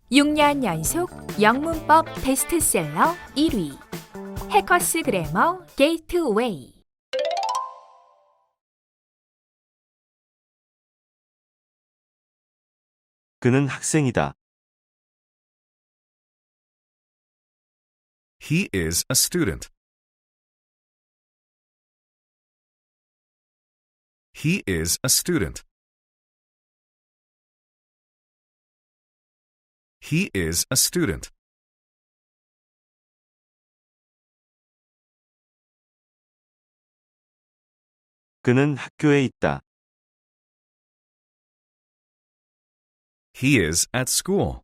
6년 연속 영문법 베스트셀러 1위 해커스 그래머 게이트웨이. 그는 학생이다. He is a student. He is a student. He is a student. 그는 학교에 있다. He is at school.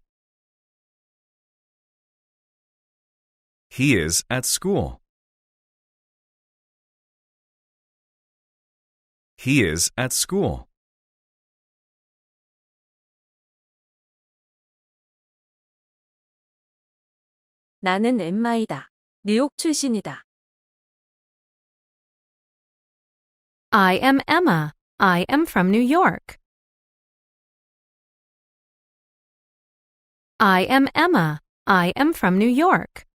He is at school. He is at school. 나는 엠마이다. 뉴욕 출신이다. I am Emma. I am from New York. I am Emma. I am from New York.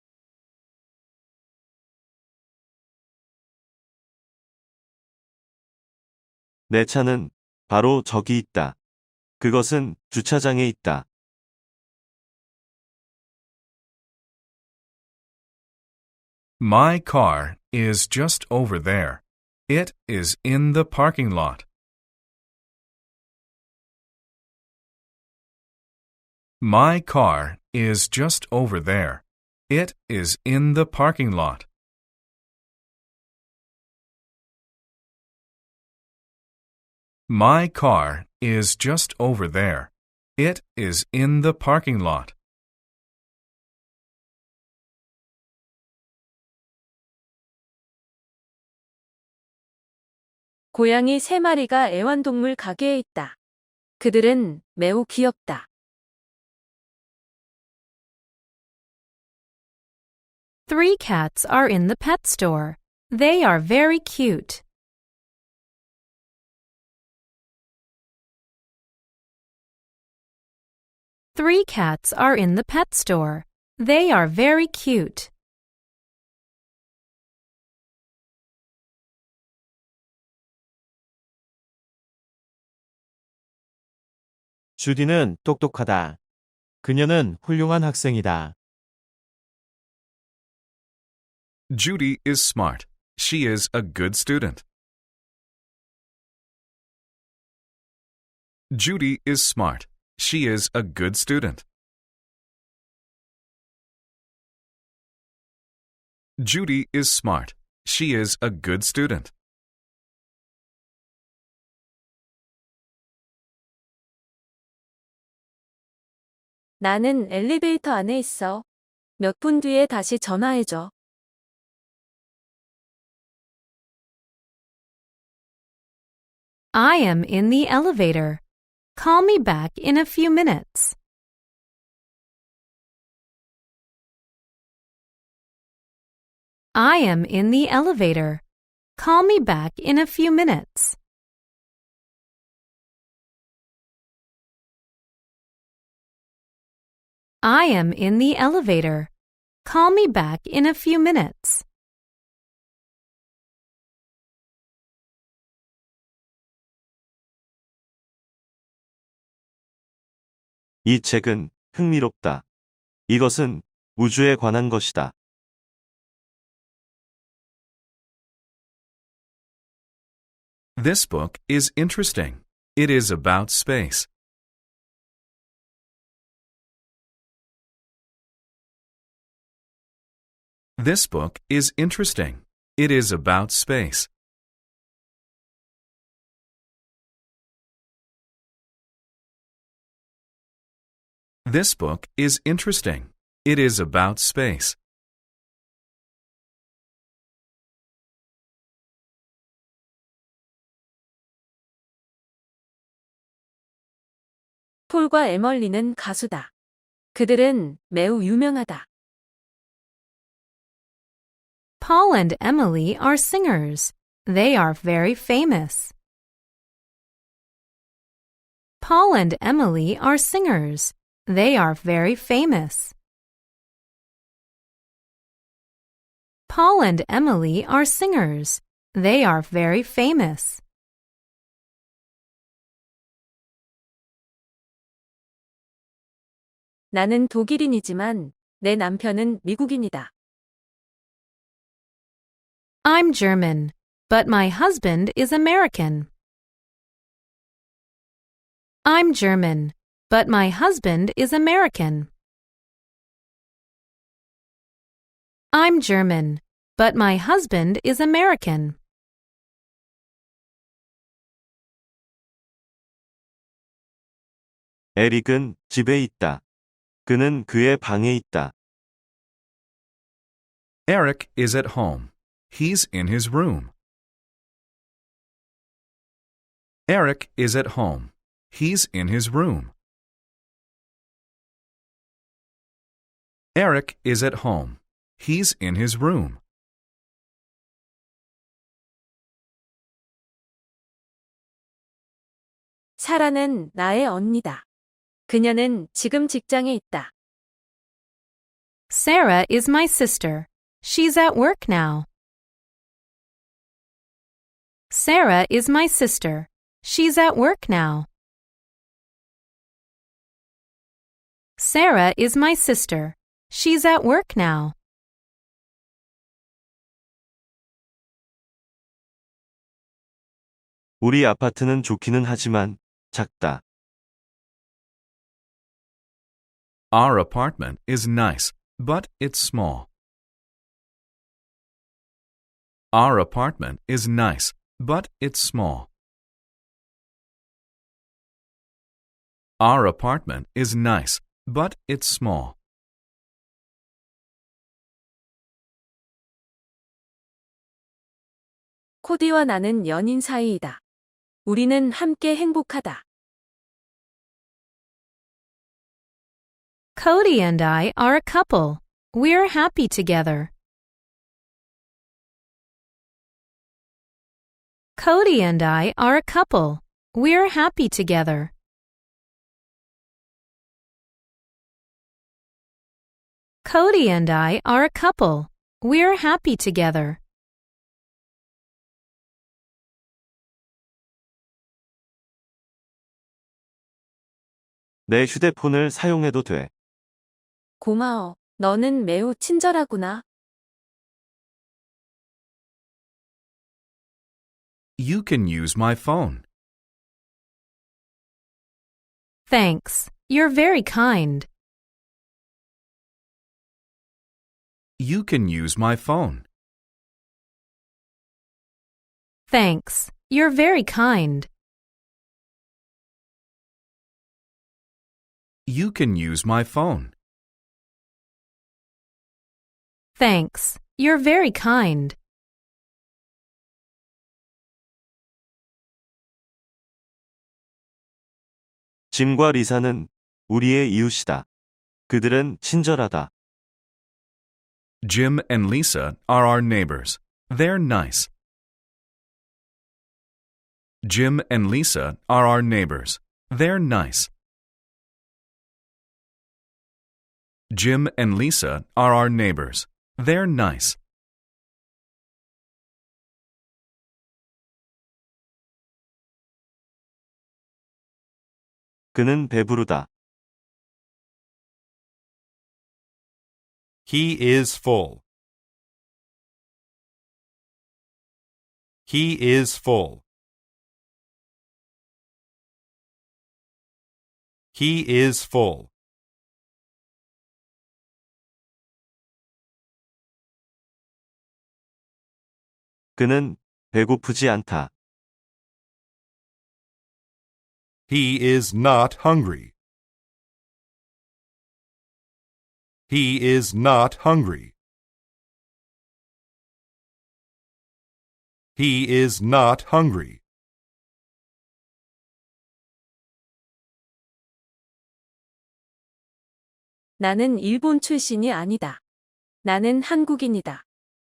내 차는 바로 저기 있다. 그것은 주차장에 있다. My car is just over there. It is in the parking lot. My car is just over there. It is in the parking lot. My car is just over there. It is in the parking lot. 고양이 3마리가 애완동물 가게에 있다. 그들은 매우 귀엽다. Three cats are in the pet store. They are very cute. Three cats are in the pet store. They are very cute. 주디는 똑똑하다. 그녀는 훌륭한 학생이다. Judy is smart. She is a good student. Judy is smart. She is a good student. Judy is smart. She is a good student. 나는 엘리베이터 안에 있어. 몇 분 뒤에 다시 전화해줘. I am in the elevator. Call me back in a few minutes. I am in the elevator. Call me back in a few minutes. I am in the elevator. Call me back in a few minutes. 이 책은 흥미롭다. 이것은 우주에 관한 것이다. This book is interesting. It is about space. This book is interesting. It is about space. This book is interesting. It is about space. 폴과 에멀리는 가수다. 그들은 매우 유명하다. Paul and Emily are singers. They are very famous. Paul and Emily are singers. They are very famous. Paul and Emily are singers. They are very famous. 나는 독일인이지만 내 남편은 미국인이다. I'm German, but my husband is American. I'm German, but my husband is American. I'm German, but my husband is American. 에릭은 집에 있다. 그는 그의 방에 있다. Eric is at home. He's in his room. Eric is at home. He's in his room. Eric is at home. He's in his room. 사라는 나의 언니다. 그녀는 지금 직장에 있다. Sarah is my sister. She's at work now. Sarah is my sister. She's at work now. Sarah is my sister. She's at work now. 우리 아파트는 좋기는 하지만 작다. Our apartment is nice, but it's small. Our apartment is nice, but it's small. Our apartment is nice, but it's small. 코디와 나는 연인 사이이다. 우리는 함께 행복하다. Cody and I are a couple. We're happy together. Cody and I are a couple. We're happy together. Cody and I are a couple. We're happy together. 내 휴대폰을 사용해도 돼. 고마워. 너는 매우 친절하구나. You can use my phone. Thanks. You're very kind. You can use my phone. Thanks. You're very kind. You can use my phone. Thanks. You're very kind. 짐과 리사는 우리의 이웃이다. 그들은 친절하다. Jim and Lisa are our neighbors. They're nice. Jim and Lisa are our neighbors. They're nice. Jim and Lisa are our neighbors. They're nice. 그는 배부르다. He is full. He is full. He is full. 그는 배고프지 않다. He is not hungry. He is not hungry. He is not hungry. 나는 일본 출신이 아니다. 나는 한국인이다.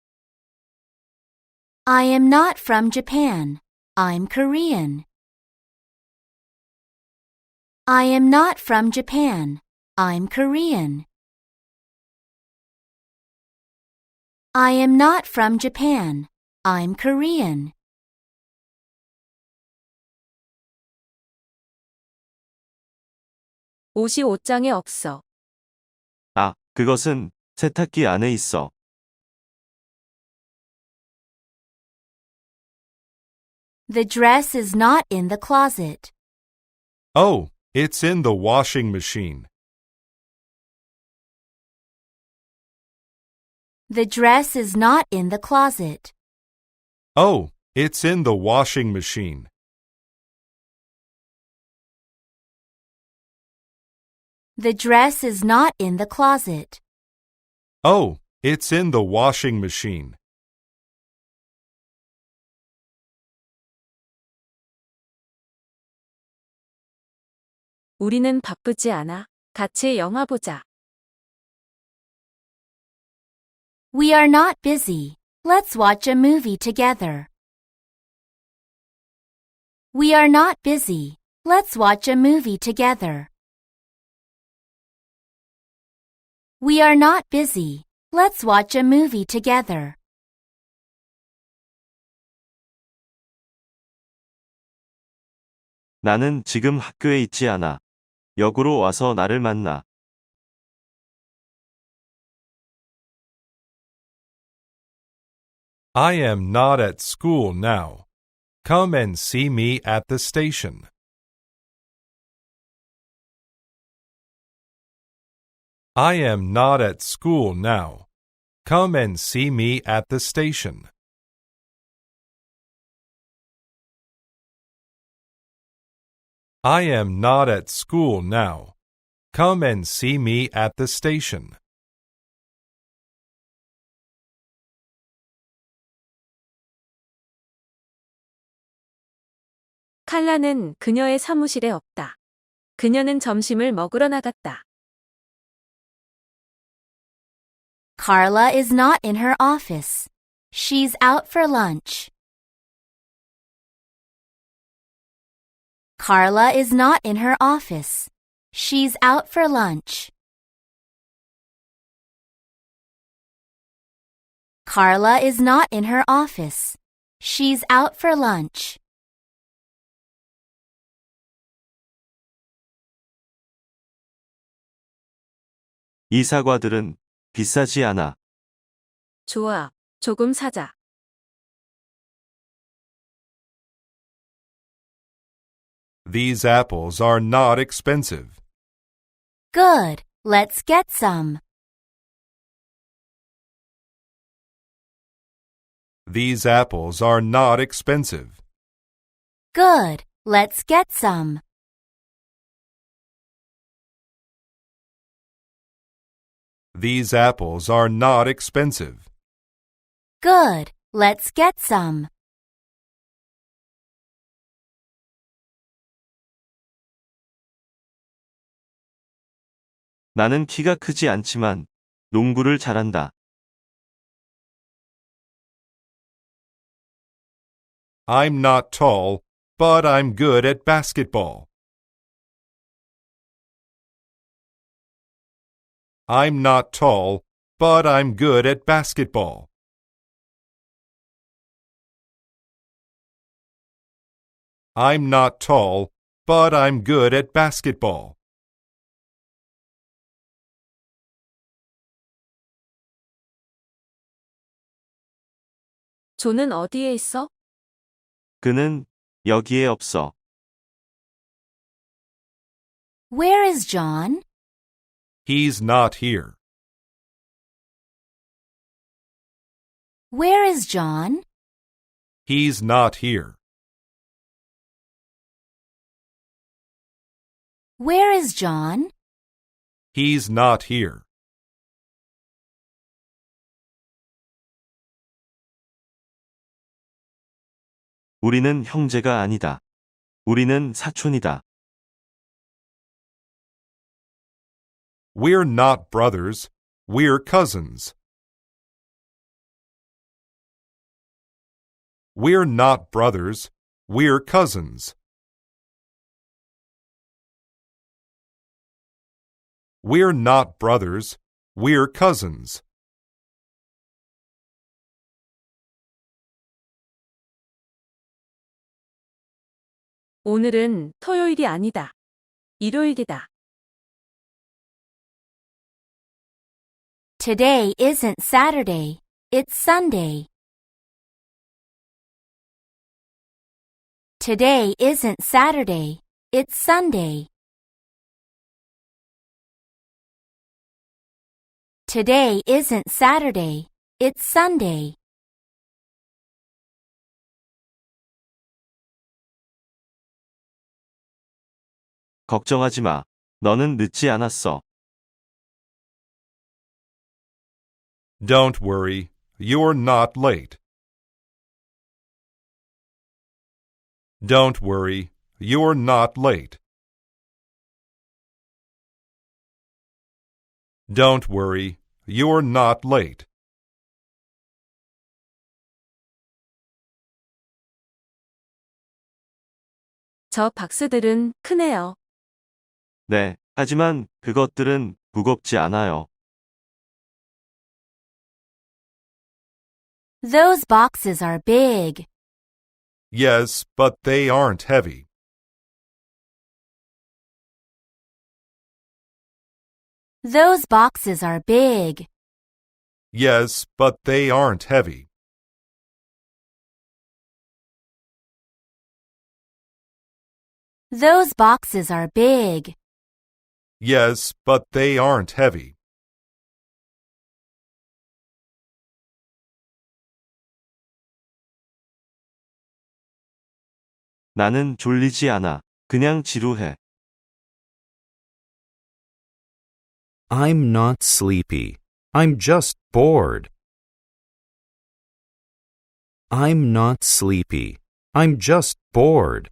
I am not from Japan. I'm Korean. I am not from Japan. I'm Korean. I am not from Japan. I'm Korean. 옷이 옷장에 없어. 아, 그것은 세탁기 안에 있어. The dress is not in the closet. Oh, it's in the washing machine. The dress is not in the closet. Oh, it's in the washing machine. The dress is not in the closet. Oh, it's in the washing machine. 우리는 바쁘지 않아. 같이 영화 보자. We are not busy. Let's watch a movie together. We are not busy. Let's watch a movie together. We are not busy. Let's watch a movie together. 나는 지금 학교에 있지 않아. 역으로 와서 나를 만나. I am not at school now. Come and see me at the station. I am not at school now. Come and see me at the station. I am not at school now. Come and see me at the station. 칼라는 그녀의 사무실에 없다. 그녀는 점심을 먹으러 나갔다. Carla is not in her office. She's out for lunch. Carla is not in her office. She's out for lunch. Carla is not in her office. She's out for lunch. 이 사과들은 비싸지 않아. 좋아, 조금 사자. These apples are not expensive. Good. Let's get some. These apples are not expensive. Good. Let's get some. These apples are not expensive. Good. Let's get some. 나는 키가 크지 않지만 농구를 잘한다. I'm not tall, but I'm good at basketball. I'm not tall, but I'm good at basketball. I'm not tall, but I'm good at basketball. 존은 어디에 있어? 그는 여기에 없어. Where is John? He's not here. Where is John? He's not here. Where is John? He's not here. 우리는 형제가 아니다. 우리는 사촌이다. We're not brothers. We're cousins. We're not brothers. We're cousins. We're not brothers. We're cousins. 오늘은 토요일이 아니다. 일요일이다. Today isn't Saturday. It's Sunday. Today isn't Saturday. It's Sunday. Today isn't Saturday. It's Sunday. 걱정하지 마. 너는 늦지 않았어. Don't worry. You're not late. Don't worry. You're not late. Don't worry. You're not late. 저 박스들은 크네요. 네, 하지만 그것들은 무겁지 않아요. Those boxes are big. Yes, but they aren't heavy. Those boxes are big. Yes, but they aren't heavy. Those boxes are big. Yes, but they aren't heavy. 나는 졸리지 않아. 그냥 지루해. I'm not sleepy. I'm just bored. I'm not sleepy. I'm just bored.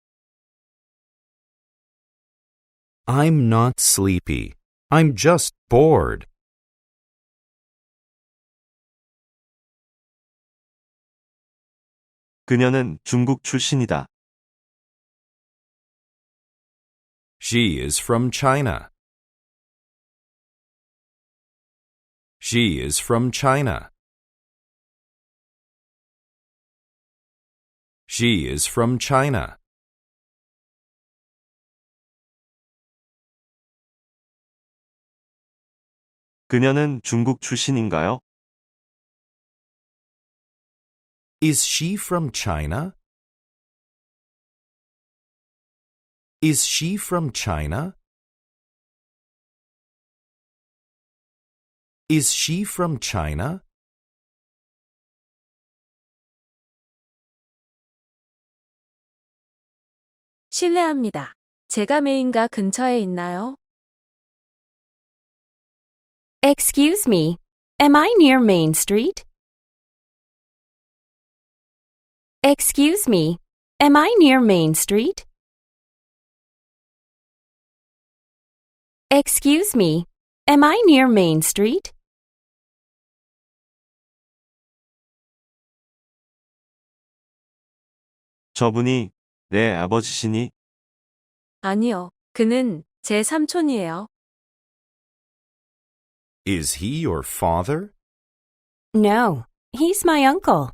I'm not sleepy. I'm just bored. 그녀는 중국 출신이다. She is from China. She is from China. She is from China. 그녀는 중국 출신인가요? Is she from China? Is she from China? Is she from China? 실례합니다. 제가 메인가 근처에 있나요? Excuse me, am I near Main Street? Excuse me, am I near Main Street? Excuse me, am I near Main Street? 저분이 내 아버지시니? 아니요. 그는 제 삼촌이에요. Is he your father? No, he's my uncle.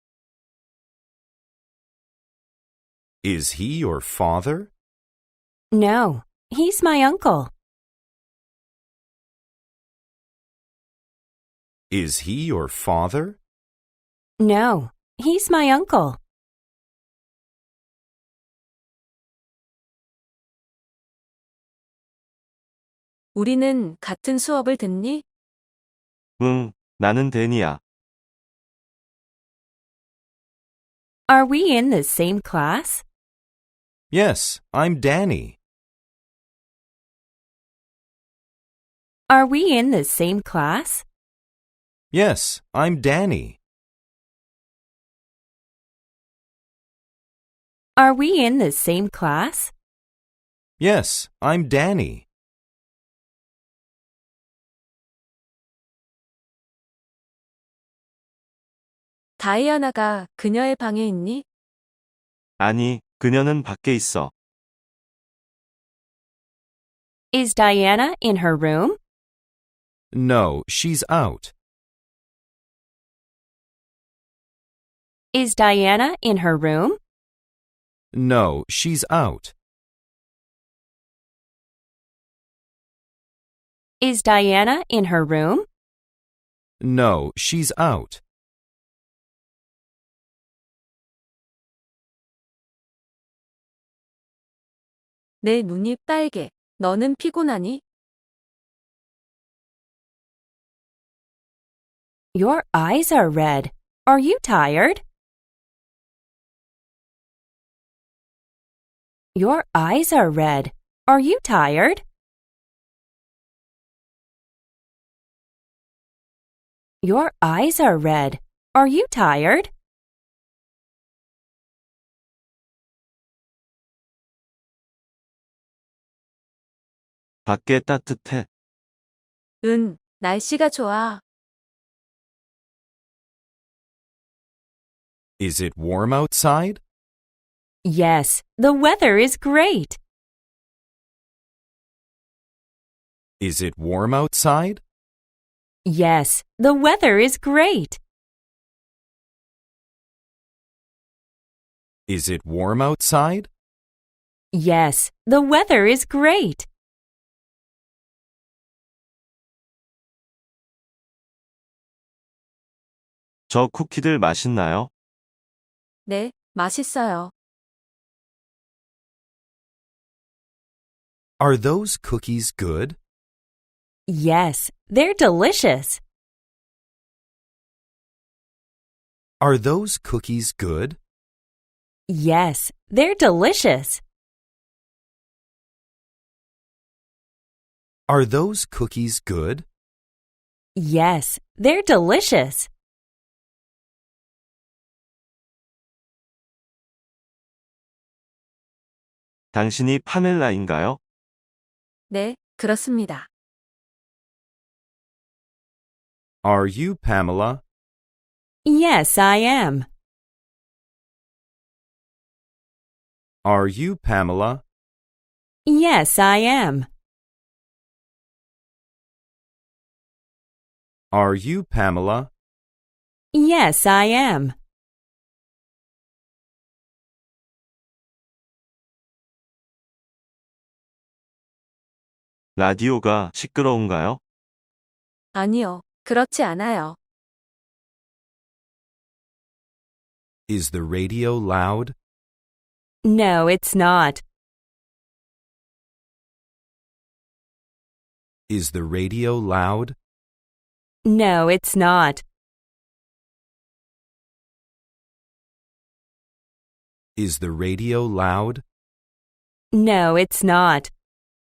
Is he your father? No, he's my uncle. Is he your father? No, he's my uncle. 우리는 같은 수업을 듣니? 응, 나는 데니야. Are we in the same class? Yes, I'm Danny. Are we in the same class? Yes, I'm Danny. Are we in the same class? Yes, I'm Danny. 다이아나가 그녀의 방에 있니? 아니, 그녀는 밖에 있어. Is Diana in her room? No, she's out. Is Diana in her room? No, she's out. Is Diana in her room? No, she's out. 내 눈이 빨개. 너는 피곤하니? Your eyes are red. Are you tired? Your eyes are red. Are you tired? Your eyes are red. Are you tired? 밖에 따뜻해. 응, 날씨가 좋아. Is it warm outside? Yes, the weather is great. Is it warm outside? Yes, the weather is great. Is it warm outside? Yes, the weather is great. 저 쿠키들 맛있나요? 네, 맛있어요. Are those cookies good? Yes, they're delicious. Are those cookies good? Yes, they're delicious. Are those cookies good? Yes, they're delicious. 당신이 파멜라인가요? 네, 그렇습니다. Are you Pamela? Yes, I am. Are you Pamela? Yes, I am. Are you Pamela? Yes, I am. 라디오가 시끄러운가요? 아니요, 그렇지 않아요. Is the radio loud? No, it's not. Is the radio loud? No, it's not. Is the radio loud? No, it's not.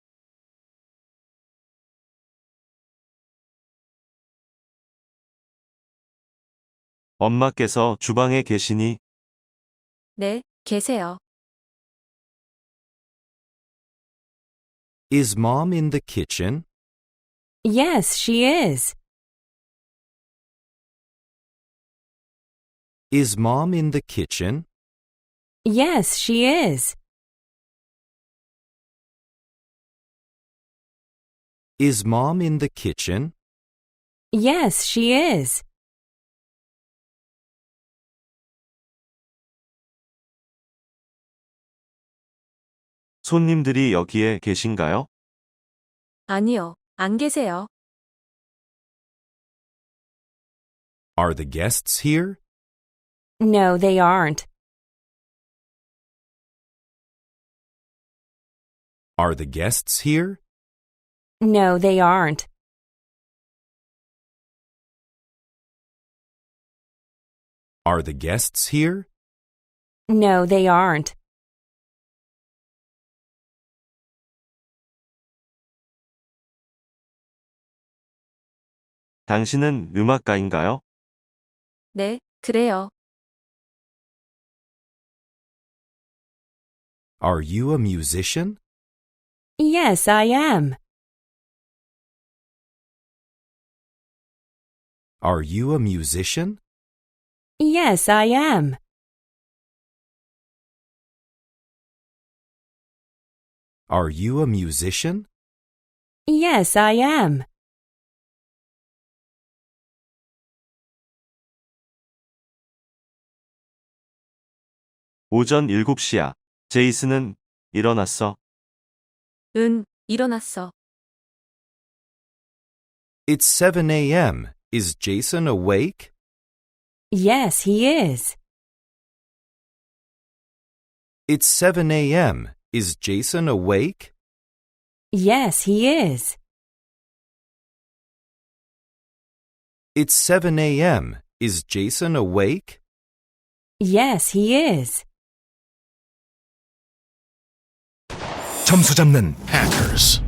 엄마께서 주방에 계시니? 네, 계세요. Is Mom in the kitchen? Yes, she is. Is Mom in the kitchen? Yes, she is. Is Mom in the kitchen? Yes, she is. 손님들이 여기에 계신가요? 아니요, 안 계세요. Are the guests here? No, they aren't. Are the guests here? No, they aren't. Are the guests here? No, they aren't. 당신은 음악가인가요? 네, 그래요. Are you a musician? Yes, I am. Are you a musician? Yes, I am. Are you a musician? Yes, I am. 오전 7시야. 제이슨은 일어났어. 응, 일어났어. It's 7 a.m. Is Jason awake? Yes, he is. It's 7 a.m. Is Jason awake? Yes, he is. It's 7 a.m. Is Jason awake? Yes, he is. 점수 잡는 Hackers.